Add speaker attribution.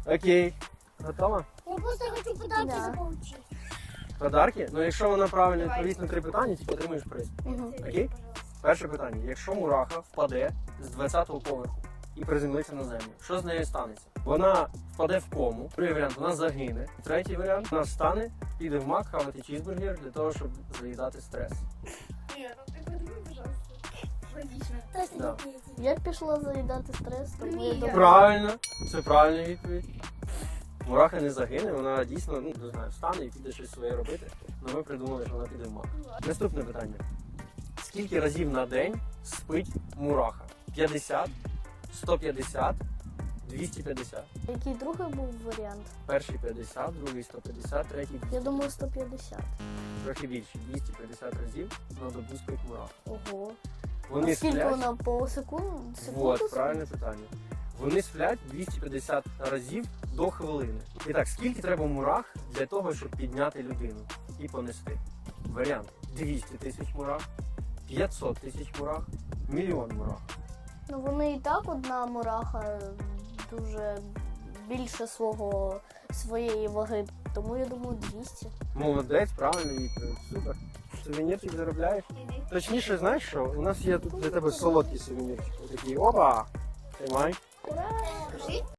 Speaker 1: Окей. Готова?
Speaker 2: Я просто хочу подарки заполучить.
Speaker 1: Подарки? Ну, якщо вона правильно відповість на 3 питання, ти отримуєш приз.
Speaker 3: Угу.
Speaker 1: Окей? Перше питання. Якщо мураха впаде з 20-го поверху і приземлиться на землю, що з нею станеться? Вона впаде в кому. Другий варіант, вона загине. Третій варіант, вона встане, піде в Мак хавати чізбургер для того, щоб заїдати стрес.
Speaker 4: Нет, ну ты подумай, пожалуйста. Логично.
Speaker 2: Точно
Speaker 1: Да.
Speaker 2: не ответить.
Speaker 3: Я пішла заїдати стрес, тому я
Speaker 4: Ні.
Speaker 3: думаю...
Speaker 1: Правильно, це правильна відповідь. Мураха не загине, вона дійсно, ну, не знаю, встане і піде щось своє робити. Але ми придумали, що вона піде в Мак. Наступне питання. Скільки разів на день спить мураха? 50, 150, 250.
Speaker 3: Який другий був варіант?
Speaker 1: Перший 50, другий 150, третій 200.
Speaker 3: Я думаю 150.
Speaker 1: Трохи більше, 250 разів на добу спить мураха.
Speaker 3: Ого.
Speaker 1: Вони
Speaker 3: Скільки
Speaker 1: сплять,
Speaker 3: вона по секунду?
Speaker 1: вот, правильне питання. Вони сплять 250 разів до хвилини. І так, скільки треба мурах для того, щоб підняти людину і понести? Варіант: 200 тисяч мурах, 500 тисяч мурах, мільйон мурах.
Speaker 3: Ну вони і так одна мураха дуже більше своєї ваги, тому я думаю 200.
Speaker 1: Молодець, правильно відповідь. Супер. Сувенірчик заробляєш? Точніше, знаєш що? У нас є тут для тебе солодкий сувенірчик. Такий, опа! Тримай.
Speaker 3: Ура!
Speaker 4: Скажи.